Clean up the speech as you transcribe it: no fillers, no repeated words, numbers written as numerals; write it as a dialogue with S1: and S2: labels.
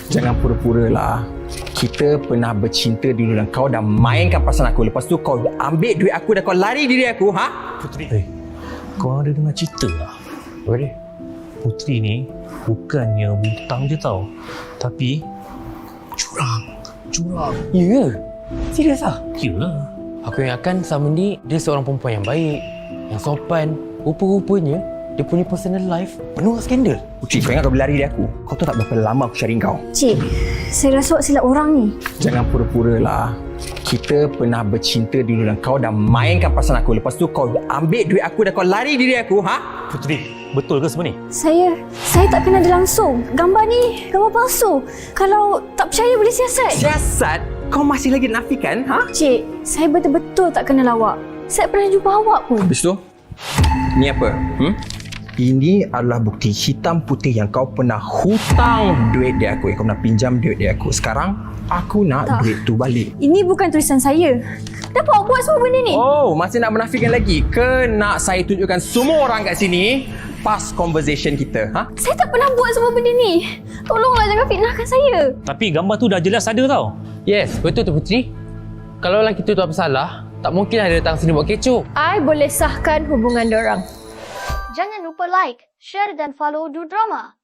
S1: Jangan pura-pura lah. Kita pernah bercinta dulu dan kau dah mainkan perasaan aku. Lepas tu kau ambil duit aku dan kau lari diri aku, ha?
S2: Putri, kau ada dengar cerita lah?
S1: Apa dia?
S2: Putri ni bukannya butang je tau, tapi curang.
S3: Ya? Serius lah?
S2: Yalah.
S3: Aku ingatkan selama ni dia seorang perempuan yang baik, yang sopan. Rupa-rupanya dia punya personal life penuh dengan skandal.
S1: Putri, kau ingat kau berlari dari aku? Kau tahu tak berapa lama aku cari kau?
S4: Cik, saya rasa awak silap orang ni.
S1: Jangan pura-pura lah. Kita pernah bercinta dulu dan kau dah mainkan perasaan aku. Lepas tu kau ambil duit aku dan kau lari diri aku, ha?
S2: Putri, betul ke semua ni?
S4: Saya tak kenal dia langsung. Gambar ni gambar palsu. Kalau tak percaya boleh siasat.
S1: Siasat? Kau masih lagi nafikan, ha?
S4: Cik, saya betul-betul tak kenal awak. Saya pernah jumpa awak pun.
S1: Habis tu, ni apa? Ini adalah bukti hitam putih yang kau pernah hutang duit dia aku. Yang kau pernah pinjam duit dia aku. Sekarang, aku nak
S4: Tak.
S1: duit tu balik.
S4: Ini bukan tulisan saya. Kenapa awak buat semua benda ni?
S1: Oh, masih nak menafikan lagi? Ke nak saya tunjukkan semua orang kat sini past conversation kita, ha?
S4: Saya tak pernah buat semua benda ni. Tolonglah jangan fitnahkan saya.
S2: Tapi gambar tu dah jelas ada tau.
S3: Yes, betul tu Putri. Kalau lelaki tu tak bersalah, tak mungkin ada datang sini buat kecoh.
S4: I boleh sahkan hubungan dorang.
S5: Jangan lupa like, share dan follow Du Drama.